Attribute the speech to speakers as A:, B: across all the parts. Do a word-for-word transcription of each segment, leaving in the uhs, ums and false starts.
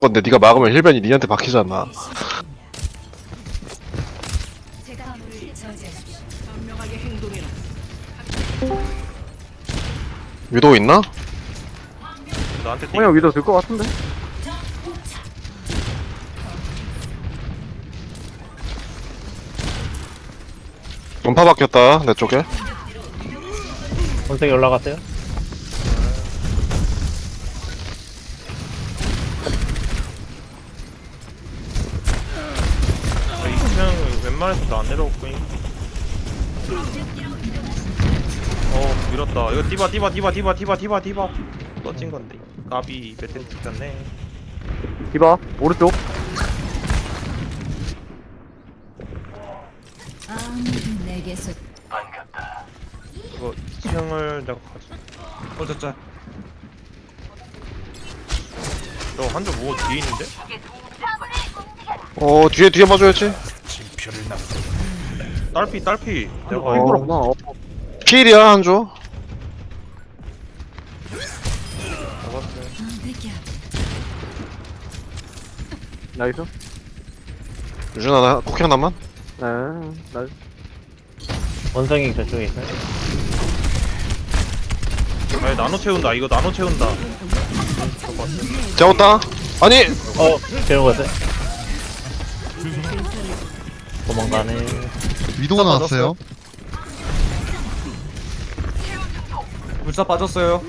A: 건데 네가 막으면 힐벤이 니한테 박히잖아. 위도우 있나?
B: 나한테 띵.
C: 그냥 위도 들 것 같은데?
A: 음파 박혔다 내 쪽에.
D: 원색이 올라갔어요?
B: 아, 이 층 웬만해서 나 안 내려오고. 어 밀었다. 이거 디바 디바 디바 디바 디바 디바 디바 떠진 건데. 까비 메테리 찍혔네.
C: 디바 오른쪽.
E: 아무도 내게서
B: 이거 이 층을 내가 가져. 어 진짜. 너 한점 뭐 뒤에 있는데?
A: 어 뒤에 뒤에 봐줘야지.
B: 딸피 딸피. 내가
C: 어,
B: 이거
C: 이거구나. 어.
A: 필이야 한조.
B: 잡았어요.
C: 나이스.
A: 유준아 나 쿠킹 하나만.
C: 네. 나이스.
D: 원성이 저쪽에 있어요?
B: 아니 나노 채운다. 이거 나노 채운다.
A: 잡았다. 아니
D: 어! 재우갔어요? 도망가네.
F: 위도가 나왔어요.
G: 불사 빠졌어요.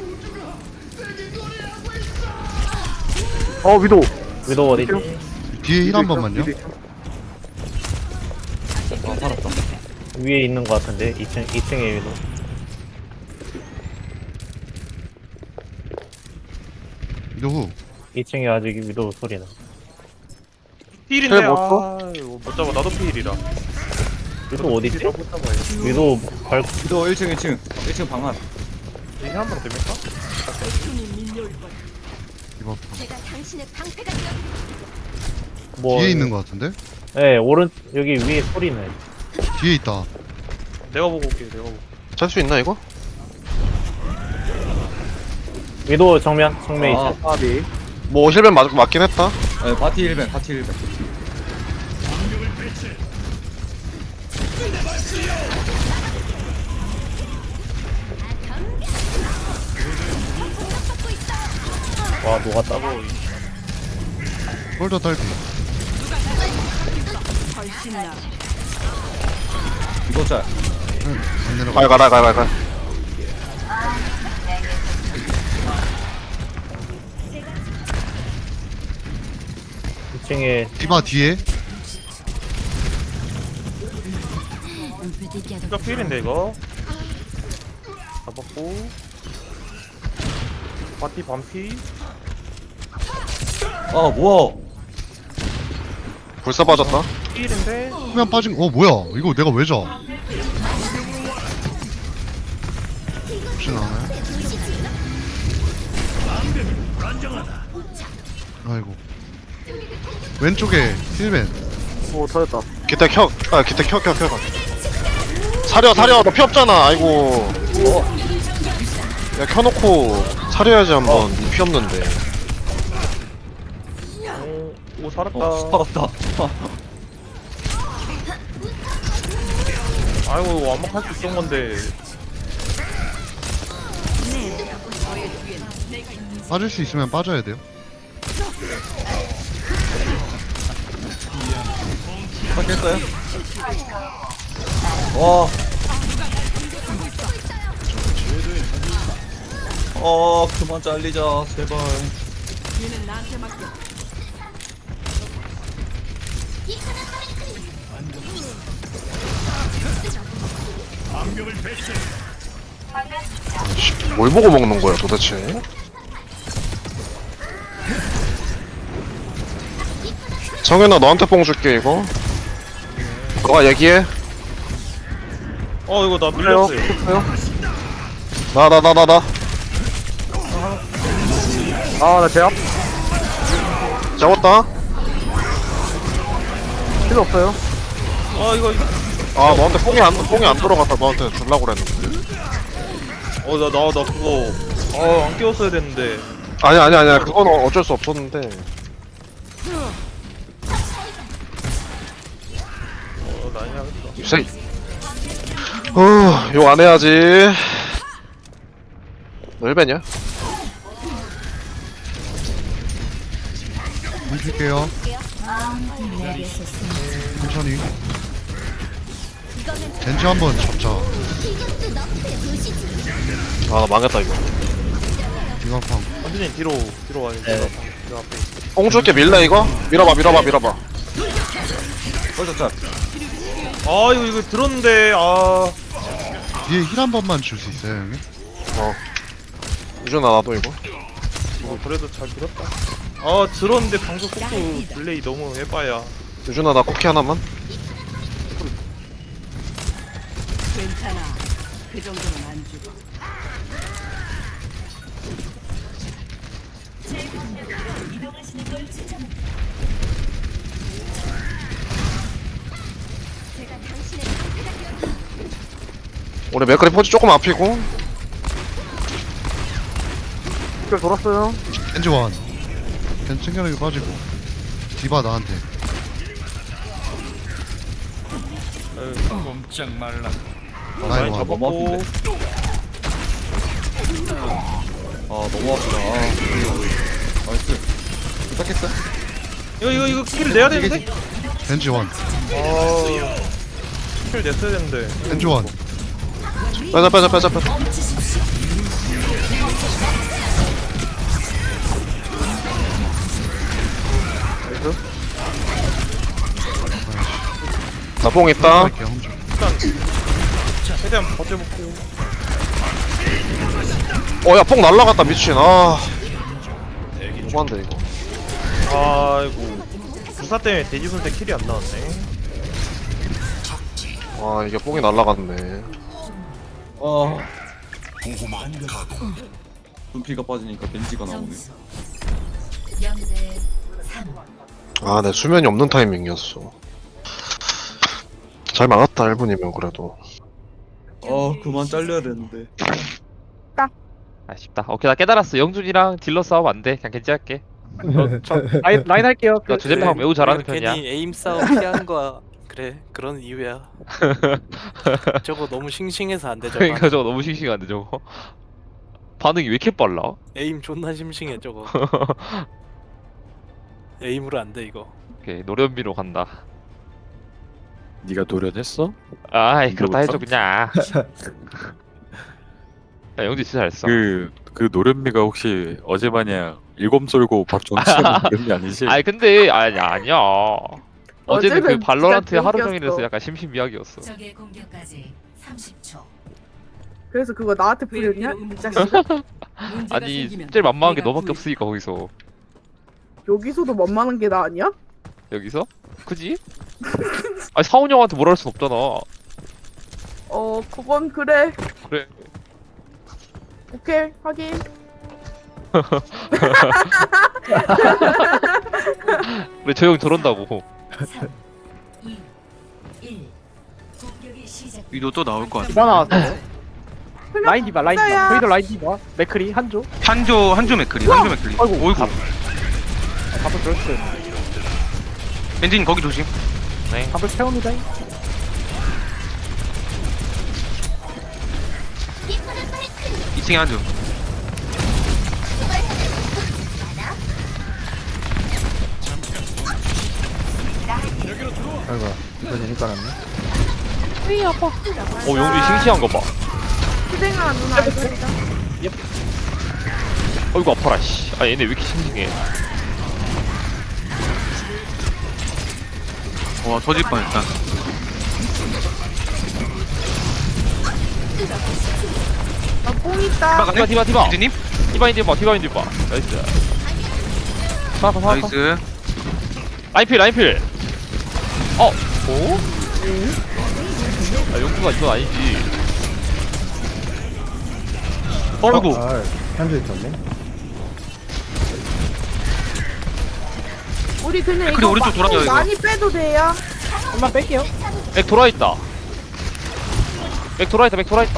C: 어 위도.
D: 위도 어디지?
F: 뒤에 힐 한 번만요.
G: 아, 살았다.
D: 위에 있는 것 같은데? 이 층, 이 층에 위도.
F: 위도 후.
D: 이 층에 아직 위도 소리 나.
B: 필인데
A: 힐 못
B: 아 이거 못 잡아. 나도 필이라.
D: 위도 어디지? 위도 발,
G: 위도 일 층 일 층 일 층 방안.
B: 이게 한번 됩니까?
F: 이거
E: 제가 당신의 방패가 되어
D: 뭐.
F: 뒤에 있는 것 같은데?
D: 네, 오른, 여기 위에 소리 나요.
F: 뒤에 있다.
B: 내가 보고 올게. 내가 보고.
A: 찰 수 있나 이거?
D: 위도 정면, 정면
G: 아.
D: 있어.
C: 바비.
A: 뭐 힐벤 맞, 맞긴 했다.
G: 네, 바티 일 벤 바티 일 벤.
D: 와, 녹았다고.
F: 홀더 딸피.
G: 이거 짤.
F: 안 내려가.
A: 갈 가라 갈 갈.
D: 이 층에
F: 디바 뒤에.
B: 이거 필인데 이거. 잡았고. 바티 반피.
G: 아 뭐야?
A: 불사 빠졌다.
B: 필인데.
F: 후면 빠진. 어 뭐야? 이거 내가 왜 져? 혹시 나와요? 아이고. 왼쪽에 힐벤.
C: 오 터졌다.
A: 기타 켜. 아 기타 켜 켜 켜. 사려 사려 너 피 없잖아. 아이고. 야 켜놓고 사려야지 한번. 니 피 없는데.
B: 오, 오 살았다.
G: 어 살았다.
B: 아이고 이거 완막할 수 있던 건데.
F: 빠질 수 있으면 빠져야 돼요.
G: 깼어요? 와. 어 그만 잘리자 제발.
A: 뭘 보고 먹는 거야 도대체? 정현아 너한테 뽕 줄게 이거. 너가 얘기해.
B: 어 이거 나
C: 그래요.
B: 밀렸어요.
C: 그래요.
A: 나 나 나 나 나.
C: 아나 제압.
A: 잡았다.
C: 필요 없어요.
B: 아 이거
A: 아 너한테 뽕이 안 뽕이 안 들어갔다. 너한테 줄라고 그랬는데.
B: 어 나 나 나 그거 어 안 끼웠어야 됐는데.
A: 아니 아니 아니야. 그건 어쩔 수 없었는데.
B: 어 난리 나겠다.
A: 세. 어, 욕 안 해야지. 너 일배냐?
F: 뭉칠게요.
E: 내게서 숨
F: 천천히. 젠지 한번 잡자.
A: 아, 나 망했다, 이거.
F: 디마팡.
B: 완전히 뒤로 뒤로 와요.
D: 네.
B: 저 앞에.
A: 뽕 줄게, 밀래, 이거? 밀어봐, 밀어봐, 밀어봐.
G: 벌써 짤.
B: 아 이거 이거 들었는데 아.
F: 뒤에 힐 한 번만 줄 수 있어요, 형님?
A: 어. 유준아, 나도 이거.
B: 어 그래도 잘 들었다. 아 들었는데 방송 속도 딜레이 너무 해봐야.
A: 유준아, 나 쿠키 하나만?
E: 괜찮아. 그 정도는 안 죽어.
A: 우리 맥크리 포지 조금 앞이고.
C: 길 돌았어요.
F: 젠지 원. 젠지 챙겨내기 빠지고. 디바 나한테.
B: 어,
F: 나이
B: 라인
F: 원.
B: 잡았고.
G: 아 너무 아프다. 아, 나이스. 부탁했어?
B: 이거 이거 이거 킬 내야 되는데?
F: 젠지 원.
B: 아킬 냈어야 되는데.
F: 젠지 원.
A: 빼자, 빼자, 빼자, 빼자. 나 뽕 있다.
F: 할게요, 홈 좀.
B: 일단 최대한 버텨볼게요.
A: 어, 야, 뽕 날라갔다, 미친. 아. 너무한데, 이거.
B: 아이고 부사 때문에 돼지손 때 킬이 안 나왔네.
A: 아, 이게 뽕이 날라갔네.
G: 아. 눈피가 빠지니까 벤지가 나오네.
E: 영대 삼.
A: 아, 내 수면이 없는 타이밍이었어. 잘 막았다, 일 분이면 그래도.
G: 아 그만 잘려야 되는데.
H: 아쉽다. 오케이 나 깨달았어. 영준이랑 딜러 싸움 안 돼. 그냥 괜찮게.
D: 라인, 라인 할게요.
H: 나 주제빵 매우 잘하는 편이야.
I: 괜히 에임 싸움 피하는 거야. 그래 그런 이유야. 저거 너무 싱싱해서 안 되죠.
H: 그러니까 저거 너무 싱싱한데 저거. 반응이 왜 이렇게 빨라?
I: 에임 존나 심싱해 저거. 에임으로 안 돼 이거.
H: 오케이 노련비로 간다.
J: 네가 노련했어?
H: 아이 그렇다 해줘
J: 노련?
H: 그냥. 야 영준 진짜 잘했어.
J: 그, 그 노련미가 혹시 어제 마냥 일곱 쏠고 박종 치는 노련미 아니지?
H: 아이 근데 아니 아니야. 어제는 그
E: 어제는
H: 발로란트
E: 진짜
H: 하루
E: 땡겼어.
H: 종일해서 약간 심심미약이었어.
E: 적의 공격까지 삼십 초.
K: 그래서 그거 나한테 뿌렸냐? 이 자식아?
H: 아니 제일 만만한 게 너밖에 없으니까 거기서.
K: 여기서도 만만한 게 나 아니야?
H: 여기서? 그지? 아니 사훈 형한테 뭐라 할 순 없잖아.
K: 어 그건 그래.
H: 그래.
K: 오케이 확인.
H: 그래 저 형 저런다고.
E: 삼, 이, 일. 공격이 시작.
G: 위도 또 나올 것 같아.
D: 디바 나왔어. 라인 디바, 라인 디바.
K: 진짜야.
D: 저희도 라인 디바. 맥크리, 한조.
G: 한조 한조 맥크리. 한조 맥크리.
D: 아이고.
G: 어이구.
D: 밥을 그렇지.
G: 벤진 거기 조심.
H: 네.
D: 밥을 채웁니다.
G: 이 층에 한조.
C: 아이고, 이거 재니까 났네.
H: 어 영준이 싱싱한 거 봐.
K: 희생아 누나 알겠다.
H: 어이구 아파라 씨. 아 얘네 왜 이렇게 싱싱해.
G: 와 터질 뻔했다.
K: 나뽕 있다.
H: 디바 디바 디바.
G: 벤진님?
H: 디바인 디바 디바인 디바. 나이스. 사파 사파.
G: 나이스.
H: 라인필 라인필. 어? 오? 아 영준아 이건 아니지.
G: 어이구.
C: 아, 현재 있었네.
K: 우리 그냥
G: 그래,
K: 이거
G: 오른쪽
K: 막
G: 돌아가요,
K: 뽕
G: 이거.
K: 많이 빼도 돼요.
D: 한번 뺄게요.
H: 맥 돌아있다. 맥 돌아있다 맥 돌아있다.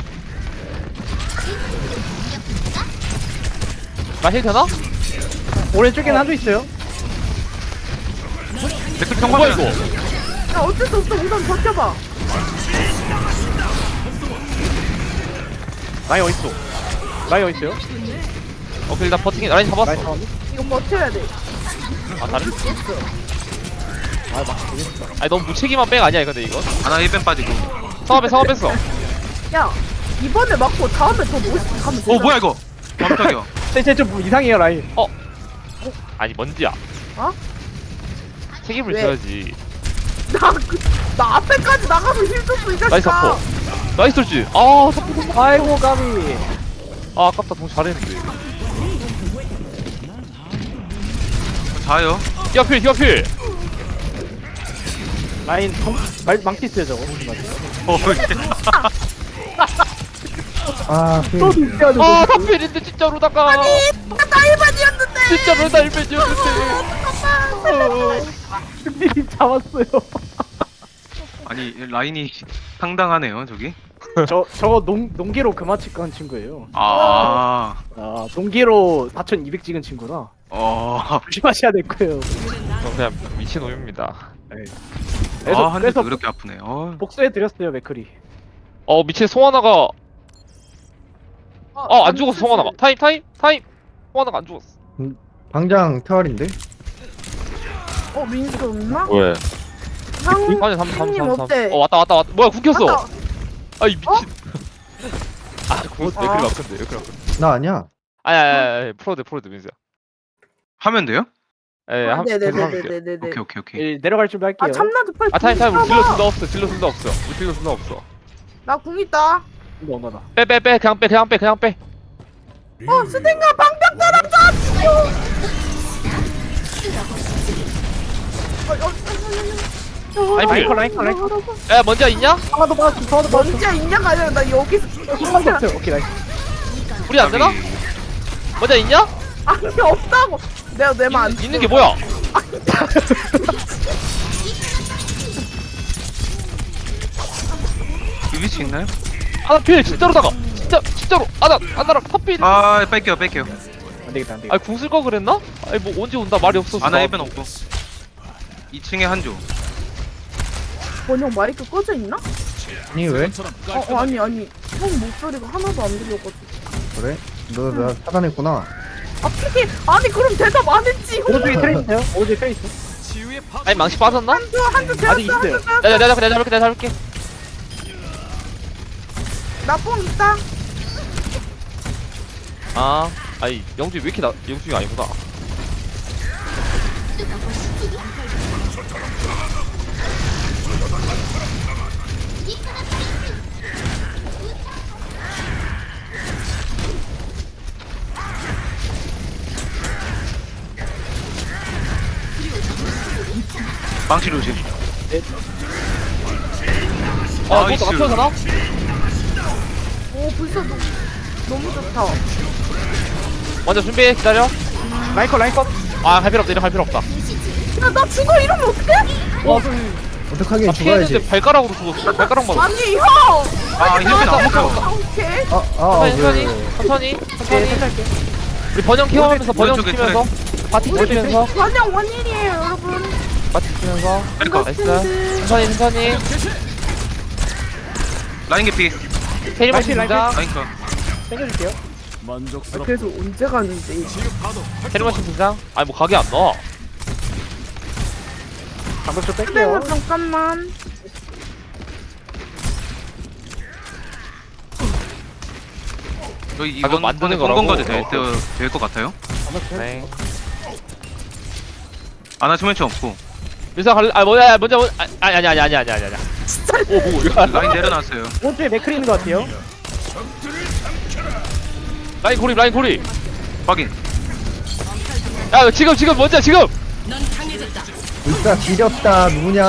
H: 나 힐 되나?
D: 오른쪽에는 한조 있어요.
G: 댓글
H: 뭐야
G: 평범해
H: 이거?
K: 야 어쩔 수 없어 우선 버텨봐.
D: 라인 어딨어? 라인 어딨어요?
H: 오케이 일단 버티긴 라인 잡았어.
D: 라인 잡았니?
K: 이거 버텨야 돼.
H: 아 다른? 아니 너무 무책임한 백 아니야 근데 이거?
G: 하나 일 벤 빠지고
H: 상업에 상업 뺐어.
K: 야 이번에 맞고 다음에 더 멋있게 가면 되잖아.
G: 어 뭐야 이거 깜짝이야
D: 쟤쟤좀 이상해요 라인.
H: 어? 아니 먼지야.
K: 어?
H: 책임을
K: 왜?
H: 져야지.
K: 나, 그, 나 앞에까지 나가서 힘 줬어 이
H: 나이스
K: 자식아.
H: 아퍼. 나이스 돌지. 아 사포.
D: 아이고 까비.
H: 아 아깝다 동 잘했는데.
G: 자요
H: 히어필 히어필.
D: 라인 통, 말, 망치 있어요 저거. 조심하세요.
G: 어
C: 아,
D: 또
C: 그,
D: 눈뼈도
H: 아 사필인데 진짜로다가.
K: 나 일반이었는데.
H: 진짜로 나 일배지였는데.
D: 준비님 잡았어요.
G: 아니 라인이 상당하네요 저기
D: 저 저거 농 농계로 그만 치고 한 친구예요.
G: 아
D: 아 농계로 사천이백 찍은 친구라.
G: 어.
D: 조심하셔야 될 거예요.
H: 저 그냥 미친놈입니다.
D: 그래서
G: 아, 한대
D: 그래서
G: 그렇게 아프네. 어.
D: 복수해 드렸어요 맥크리.
H: 어 미친 송하나가. 아 안 죽었어 송하나가. 타임 타임 타임. 송하나가 안 죽었어.
C: 방장 태활인데?
K: 어 민수 없나?
J: 왜?
K: 상
H: 아니 삼 삼
K: 형님
H: 삼 삼.
K: 어때?
H: 어 왔다 왔다 왔다. 뭐야 굶겼어.
K: 왔다.
H: 아이 미친. 아 그거
K: 아.
H: 맥클이 막혔네 맥클이 막혔네.
C: 나 아니야.
H: 아니 아니 아니 프로드 프로드 민수야.
G: 하면 돼요?
H: 예
K: 아,
H: 한 계속 하면 돼.
K: 네네네네네.
G: 오케이 오케이 오케이.
D: 예, 내려갈 준비 할게요.
K: 아 참나도 빨리.
H: 아 타임 타임 우리
K: 궁
H: 딜러
K: 있나
H: 순다
K: 봐.
H: 없어 딜러 순다 없어 우리 딜러 순다 없어.
K: 나궁 있다.
D: 이거 언어다.
H: 빼 빼 빼 그냥 빼 그냥 빼 그냥 빼.
K: 어 스탱가 방벽 떨어져.
H: 아니,
D: 라인 컷 라인 컷 라인 컷.
H: 야 먼지야 있냐?
D: 하나도 빠졌어. 하나도 빠졌어.
K: 뭔지 있냐가 아니라 나 여기서
D: 하나도 없어요. 오케이 라인.
H: 우리 안 되나? 먼지야 있냐?
K: 아니 없다고. 내가 내만 안.
H: 있는, 있는 게 뭐야?
G: 이 위치 있나요?
H: 하나 필 진짜로다가 진짜 진짜로 아나 아나랑 탑필. 아
G: 아 뺄게요 뺄게요.
D: 안 되겠다 안 되겠다.
H: 아니 궁쓸 거 그랬나? 아니 뭐 언제 온다 말이 없었어.
G: 하나 일 벤 없고 이 층에 한조.
K: 번영 마이크 꺼져 있나?
C: 아니, 왜?
K: 어, 어 아니 아니 형 목소리가 하나도 안 들려가지고.
C: 그래? 너, 나 차단했구나.
K: 아 피기 아니 그럼 대답 안 했지.
D: 오른쪽에 트레 있어요? 오른쪽에 트레 있어.
H: 아니 망치 빠졌나?
K: 한두 한두
D: 아직
K: 되었어
D: 있어요.
K: 한두 되었어.
H: 내가 내가 내가 잡을게 내가 잡을게.
K: 나뽕 있다.
H: 아 아니 영준이 왜 이렇게 나 영준이 아니구나.
G: 망치 조심.
H: 아
G: 나이스.
H: 이것도 맞춰서나?
K: 오 벌써 너, 너무 좋다.
H: 먼저 준비해 기다려.
D: 라인 컷 라인 컷.
H: 아할 필요 없다 이거 할 필요 없다.
K: 야나 죽어 이러면 어떡해?
H: 와
C: 어떡하긴
H: 나
C: 죽어야지.
H: 피했는데 발가락으로 죽었어. 발가락 맞았어.
K: 아니 형.
G: 아 힐 벤
K: 아,
G: 없어.
K: 오케이.
C: 아, 아,
H: 천천히
C: 왜,
H: 천천히
C: 왜.
H: 천천히 천천히. 우리 번영 케어하면서 번영
G: 오른쪽에
H: 지키면서 바티 지키면서
K: 번영 원일이에요 여러분.
H: 바티 지키면서
G: 뺄거.
H: 나이스. 천천히 천천히.
G: 라인 개피.
H: 테리머신
D: 라인,
H: 등장.
G: 라인 컷.
D: 챙겨줄게요.
K: 아, 그래서 언제 가는데?
H: 테리머신 등장. 아니 뭐 가게 안 넣어.
D: 방금 좀 뺄게요.
K: 선생님 잠깐만.
G: 저희
H: 아, 그거
G: 이번
H: 만드는
G: 번에
H: 거라고?
G: 성공까지 될것 같아요.
H: 네.
G: 아나 수면치 없고
H: 밀사 갈래? 아 뭐야 먼저 먼저 아니 아니 아니 아니 아니 아니 아니. 오뭐 이거
G: 라인 내려놨어요.
D: 오른쪽에 맥크리 있는 것 같아요.
H: 라인 고립 라인 고립.
G: 확인.
H: 야 지금 지금 먼저 지금.
C: 울다 지렸다, 누구냐.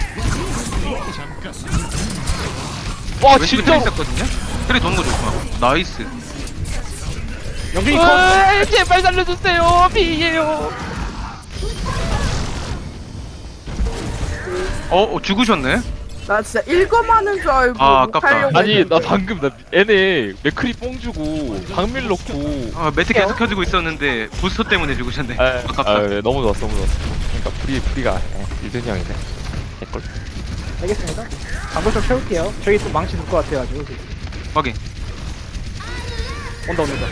H: 와
G: 왼쪽에
H: 진짜.
G: 트레 있었거든요. 트레 도는 거 조심하고. 나이스.
D: 영준이 컷.
H: 으이, 제발 살려주세요 비예요.
G: 어, 어 죽으셨네.
K: 나 진짜 읽어마는 줄 알고
B: 아,
K: 못
B: 아깝다.
K: 하려고
H: 아니
K: 했는데.
H: 나 방금 나 얘네 맥크리 뽕 주고 방밀 넣고
G: 아 매트 계속 켜지고 있었는데 부스터 때문에 죽으셨네. 아깝다.
H: 아, 예, 너무 좋았어 너무 좋았어. 그러니까 프리 프리가 일준이 형이네. 개꿀.
D: 알겠습니다. 방금 좀 채울게요. 저기 또 망치 둘 것 같아가지고.
G: 확인.
D: 온다 온다.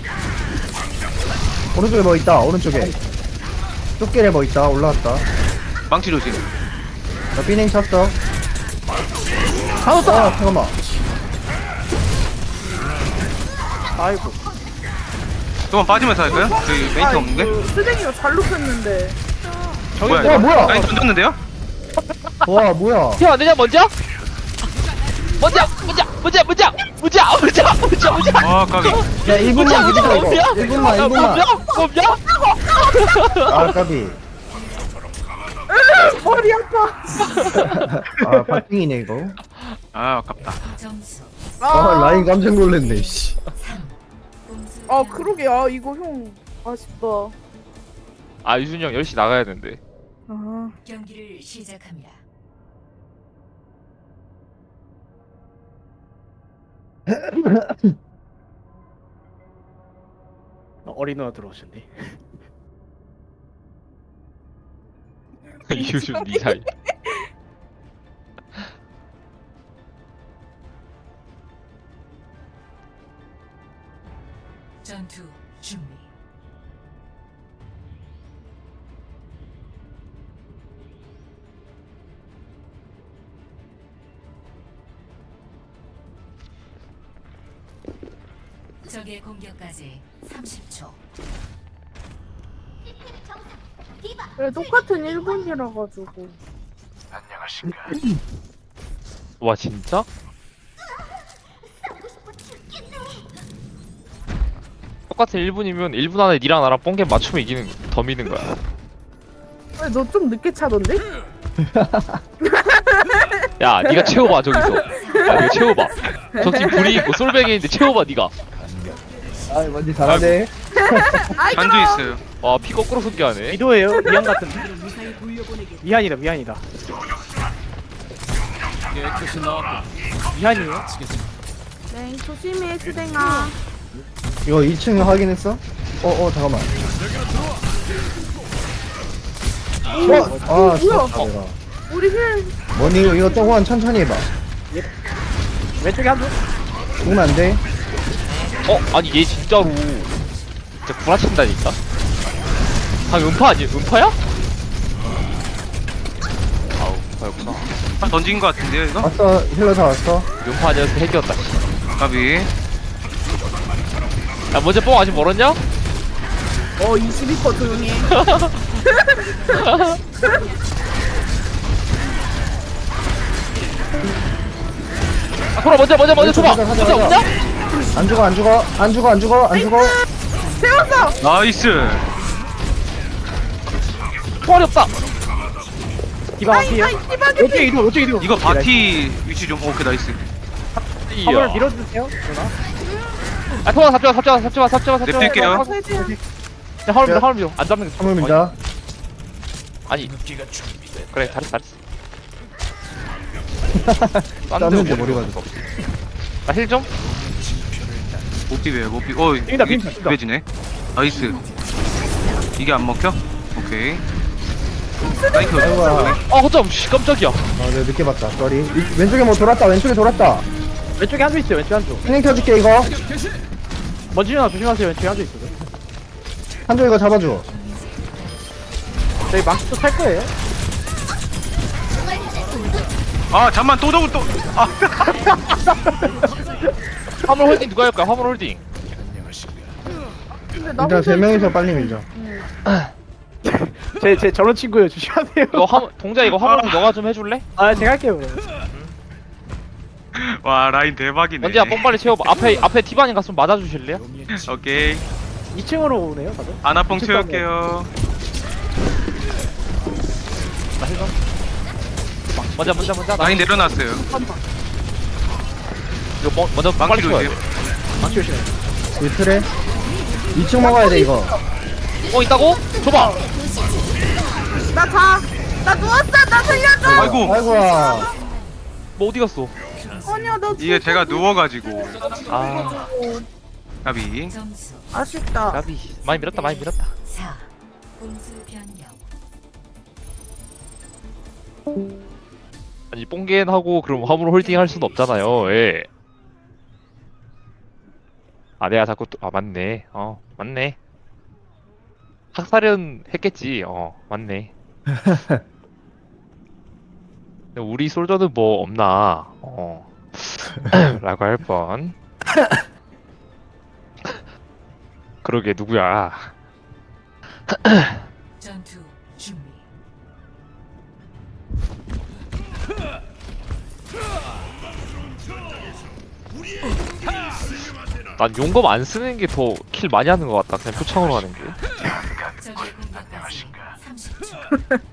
C: 오른쪽에 뭐 있다 오른쪽에 쫓길에 뭐 있다 올라왔다.
G: 망치 조심.
C: 나 비냉 쳤어.
D: 잡았다.
C: 아 잠깐만.
D: 아이고.
G: 조금 빠지면서 할까요? 저희 메이트 없는데?
K: 그 쓰댕이가 잘 눕혔는데.
G: 뭐야?
C: 야, 뭐야?
G: 라인 던졌는데요?
C: 와 뭐야?
H: 튀어 안 되냐 먼저? 먼저 먼저 먼저 먼저 먼저 먼저 먼저 먼저.
G: 아 까비.
C: 야 일 분만 기다려 이거. 일 분만 일 분만.
H: 뭡냐?
C: 아 까비.
K: 머리 아파.
C: 아 박빙이네 이거.
G: 아 아깝다.
E: 점수
C: 아 라인 깜짝 놀랐네. 씨.
E: 삼. 공수
K: 아 그러게 아 이거 형 아쉽다.
H: 아 유준이 형 열 시 나가야 되는데.
K: 아
E: 경기를 시작합니다.
D: 어린 누나 들어오셨네.
H: 유준 니 사이.
E: 전투 준비. 적의 공격까지 삼십 초.
K: 그래 똑같은 일 분이라 가지고.
H: 와 진짜? 똑같은 일 분이면 일 분 안에 니랑 나랑 뽕게 맞추면 이기는 더 미는 거야.
K: 왜 너 좀 늦게 차던데?
H: 야 니가 채워봐 저기서. 야 니가 채워봐. 저 팀 불이 있고 솔뱅이인데 채워봐 니가.
C: 아 뭔지 잘하네.
G: 잔주 있어요.
H: 와 피 거꾸로 숨겨하네.
D: 미도예요. 미안 같은. 미안이다 미안이다. 미안이에요.
K: 네 조심해 쓰댕아.
C: 이거 이 층 확인했어? 어어 잠깐만. 어? 아 죽었다 내가.
K: 우리 힐
C: 뭐니 이거 이거 조금만 천천히 해봐.
D: 왼쪽에 한 분.
C: 죽으면 안 돼.
H: 어 아니 얘 진짜로 진짜 구라친다니까. 아 음파 아니 음파야? 아우 음파였구나.
G: 한 던진 거 같은데요 이거?
C: 왔어 힐러 다 왔어.
H: 음파 아니어서 핵이었다.
G: 까비.
H: 야 먼저 뽕 아직 멀었냐?
K: 어 이십이 퍼센트 조용히 해.
H: 아 돌아 먼저 먼저 먼저 줘봐.
C: 가자, 가자,
H: 먼저
C: 가자.
H: 없냐?
C: 안 죽어 안 죽어 안 죽어 안 죽어 안 죽어.
K: 세웠어.
G: 나이스.
H: 총알이 없다.
D: 디바 갈게요.
K: 아이 디바게.
D: 왼쪽에 이동 왼쪽에 이동.
G: 이거 바티 위치 좀 오케이 나이스.
D: 화물을 밀어주세요. 누나.
H: 아 통화 잡지마 잡지마 잡지마 잡지마 잡지마.
G: 냅둘게요.
H: 자 화물 밀어 화물 밀어. 안 잡는 게
C: 화물 밀자.
H: 아니 그래 잘했어 잘했어.
C: 땄는데 머리가 죽어.
H: 나힐 좀?
G: 못 비벼요 못 비. 어
D: 빈다,
G: 이게
D: 빈다, 빈다.
G: 비벼지네. 나이스. 이게 안 먹혀? 오케이. 라인 켜.
C: 아이고야.
H: 아 허점 씨 깜짝이야.
C: 아 내가 늦게 봤다. 쏘리. 이- 왼쪽에 뭐 돌았다. 왼쪽에 돌았다.
D: 왼쪽에 한 분 있어요. 왼쪽에 한 분.
C: 힐링 켜줄게 이거.
D: 먼지 누나 조심하세요. 왼쪽에 한 분 있어요.
C: 한쪽 이거 잡아줘.
D: 저희 망치 또 탈 거예요.
G: 아 잠만 또 저거 또. 아.
H: 화물 홀딩 누가 할까? 화물 홀딩.
K: 근데 나
C: 일단 세 명이서 빨리 밀자.
D: 제 제 저런 친구예요. 조심하세요.
H: 이거 화물 동자 이거 화물 너가 좀 해줄래?
D: 아 제가 할게요. 그럼.
G: 와 라인 대박이네.
H: 먼지야 뽕 빨리 채워봐. 앞에 앞에 티바님 갔으면 맞아주실래요?
G: 오케이.
D: 이 층으로 오네요. 다들.
G: 아나뽕
D: 이층
G: 채울게요.
H: 나 힐 좀. 먼저 먼저 먼저. 나
G: 라인 내려놨어요.
H: 이거 뭐, 먼저 빨리
G: 망치로
H: 채워야
G: 이제.
H: 돼.
D: 망치 조심해.
C: 이 틀에 이 층 먹어야 돼 이거.
H: 뽕 있다고? 줘봐.
K: 나 자. 나 누웠어. 나 살려줘.
G: 아이고.
C: 아이고야.
H: 뭐 어디 갔어?
K: 아니야 나
G: 이게 제가 누워가지고
H: 아,
G: 까비.
E: 점수
K: 아쉽다.
H: 까비. 많이 밀었다, 많이 밀었다.
E: 사. 공수 변경.
H: 아니, 뽕겐하고 그럼 화물 홀딩 할 수는 없잖아요. 예. 아, 내가 자꾸 또, 아, 맞네. 어, 맞네. 학살은 했겠지. 어, 맞네. 근데 우리 솔저는 뭐 없나? 어. 라고 할 뻔. 그러게, 누구야?
E: 전투 준비.
H: 난 용검 안 쓰는 게 더 킬 많이 하는 것 같다. 그냥 표창으로 하는 게.
E: 적의 공격까지 삼십 초.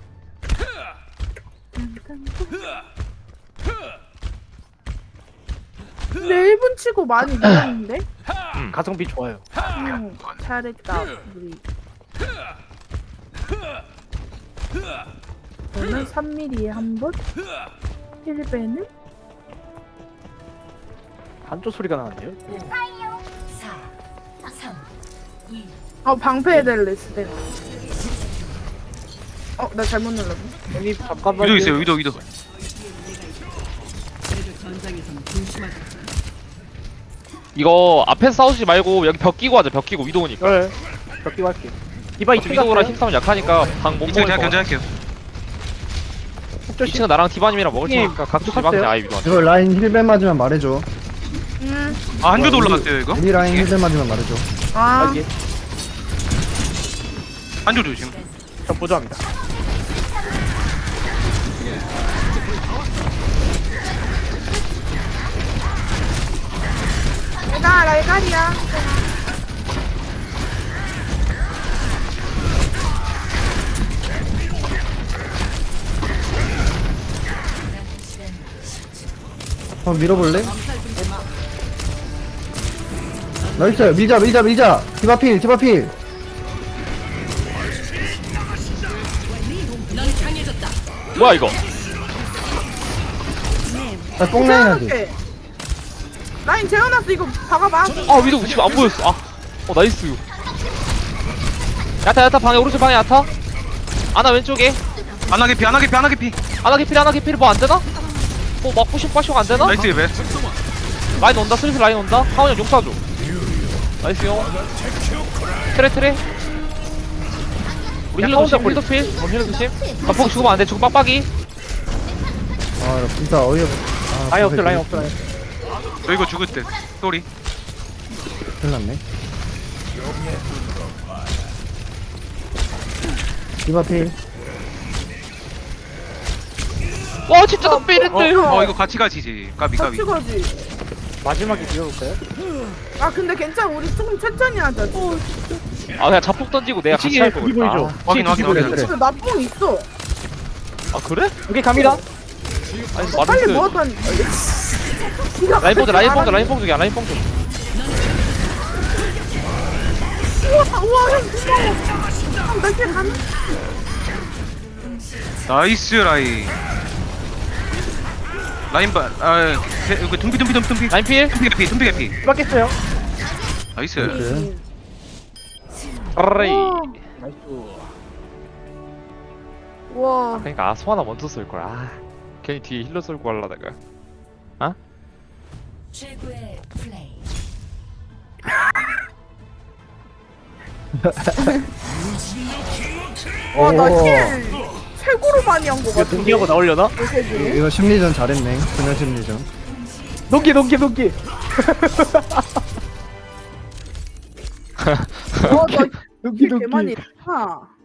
K: 근데 일 분 치고 많이 늘었는데?
D: 가성비 좋아요.
K: 응, 잘했다 우리. 저는 삼 밀리미터에 한 번, 일 배는
D: 반조 소리가 나는데요?
E: 사, 삼, 이.
K: 어 방패해달래 스텝. 어, 나 잘못 눌렀네.
D: 형님 잠깐만요.
G: 위도 있어요. 위도 위도.
H: 이거 앞에서 싸우지 말고 여기 벽 끼고 하자. 벽 끼고 위도 오니까.
D: 네. 벽기 할게. 디바
H: 어차피
D: 이층
H: 위도랑
D: 갈게요.
H: 힘싸움 약하니까 방 못
G: 이층
H: 먹을
G: 제가
H: 거.
G: 견제할게요.
H: 이 층은 나랑 디바님이랑 먹을
D: 형님,
H: 테니까 각주
D: 뚝
H: 디바한테
D: 할게요.
H: 아예 위도한테.
C: 이거 라인 힐벤 맞으면 말해줘.
K: 음,
G: 아 한조도 올라갔어요 이거.
C: 우리 라인 힐벤 맞으면 말해줘.
K: 아,
D: 아, 예.
G: 한조 조심.
D: 저 보조합니다.
K: 내가 라이가리야.
C: 한번 밀어볼래? 나이스 밀자 밀자 밀자. 디바필 디바필.
H: 뭐야 이거?
C: 아 뽕라인 하지.
K: 재워놓게. 라인 재워놨어. 이거 박아봐.
H: 아 위도 지금 안 보였어. 아, 어 나이스. 야타 야타 방에 오른쪽 방에 야타. 아나 왼쪽에.
G: 안하게피 안하게피 안하게피.
H: 아나 개필 아나 개필 뭐 안 되나? 뭐막 푸시 빠쇼 안 되나?
G: 나이스 배.
H: 라인 온다 슬슬 라인 온다. 하원이 형 용사줘. 나이스 형. 트레 트레. 우리 힐러 조심 힐러 필. 어 힐러 조심. 아 포기 죽으면 안돼. 죽으면 빡빡이.
C: 아 진짜 어이없. 아,
D: 라인 없어, 라인 없어, 라인.
G: 저 이거 죽을 때. 쏘리.
C: 큰일 났네. 디바필.
H: 와 진짜 나 빼는데.
G: 어 이거 같이 가지지. 까비 까비.
K: 같이 가지.
D: 마지막에 비워볼까요?
K: 아, 근데 괜찮아. 우리 조금 천천히 하자.
H: 아 그냥 자폭 던지고 내가 같이
D: 이층에
H: 할 거
D: 두기
H: 그랬다.
D: 보이죠?
G: 확인 확인
C: 그래,
G: 확인.
C: 그래.
K: 근데 나뽕 있어.
H: 아 그래?
D: 여기 갑니다.
H: 아니
K: 빨리
H: 마르스.
K: 모았더니.
H: 라인 뽕 라인 뽕 라인 뽕 중이야 라인 뽕 중.
K: 우와, 우와, 형 고마워. 형, 나길 가는.
G: 나이스 라인. 라인 바. 아 이거 tum피 tum피 tum피 tum피.
H: 라인 필.
G: tum피 개피 tum피 개피.
D: 빡겠어요.
G: 나이스.
H: 아라이.
D: 나이스.
K: 우와.
H: 그러니까 아 소하나 먼저 쏠 걸. 아 괜히 뒤에 힐러 쏠고 하려다가.
E: 최고의 플레이.
K: 와, 나
C: 오.
K: 힐 최고로 많이 한 거
D: 이거
K: 같아.
D: 동기하고 나오려나?
C: 이거 심리전 잘했네. 그냥 심리전.
D: 동기, 동기, 동기.
K: 어, 나
D: 동기,
K: 힐 개 많이
D: 동기.
K: 했다.